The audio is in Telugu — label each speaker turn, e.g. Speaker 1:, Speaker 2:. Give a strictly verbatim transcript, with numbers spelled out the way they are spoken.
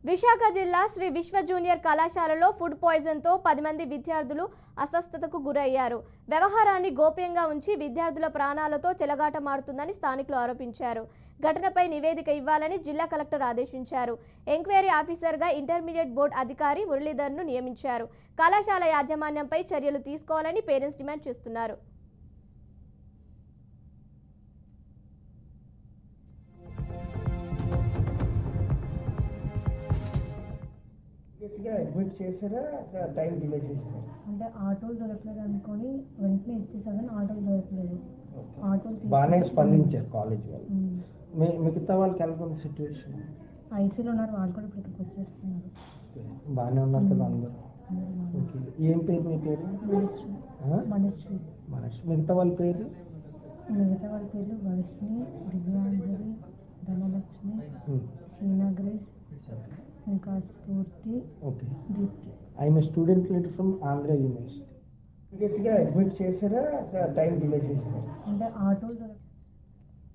Speaker 1: విశాఖ జిల్లా శ్రీ విశ్వ జూనియర్ కళాశాలలో ఫుడ్ పాయిజన్తో పది మంది విద్యార్థులు అస్వస్థతకు గురయ్యారు. వ్యవహారాన్ని గోప్యంగా ఉంచి విద్యార్థుల ప్రాణాలతో చెలగాటమాడుతుందని స్థానికులు ఆరోపించారు. ఘటనపై నివేదిక ఇవ్వాలని జిల్లా కలెక్టర్ ఆదేశించారు. ఎంక్వైరీ ఆఫీసర్గా ఇంటర్మీడియట్ బోర్డు అధికారి మురళీధర్ను నియమించారు. కళాశాల యాజమాన్యంపై చర్యలు తీసుకోవాలని పేరెంట్స్ డిమాండ్ చేస్తున్నారు.
Speaker 2: అడ్మిట్ చేసారా టైం డిలే చేసారా?
Speaker 3: అంటే ఆటోలు దొరకలేదు అనుకొని వెంటనే ఇచ్చేసాను. ఆటోలు దొరకలేదు. ఆటోలు
Speaker 2: బాగానే స్పందించారు కాలేజ్ వాళ్ళు. మిగతా వాళ్ళకి ఎలా ఉంది సిచ్యువేషన్?
Speaker 3: ఐసీలో ఉన్నారు, వాళ్ళు కూడా ఇక్కడికి వచ్చేస్తున్నారు.
Speaker 2: బాగానే ఉన్నారు కదా అందరూ? ఓకే. ఏం పేరు మీ పేరు?
Speaker 3: మనశ్రీ.
Speaker 2: మనశ్రీ. మిగతా వాళ్ళ పేరు?
Speaker 3: మిగతా వాళ్ళ పేర్లు వర్షిని, దివ్యాంజలి, ధనలక్ష్మి, శ్రీనగరేష్, ఇంకా Spoorthi.
Speaker 2: Okay.
Speaker 3: Deepti.
Speaker 2: I'm student leader from Andhra university. Admit చేసారా టైం డిలే చేసారా?
Speaker 3: అంటే ఆటోలు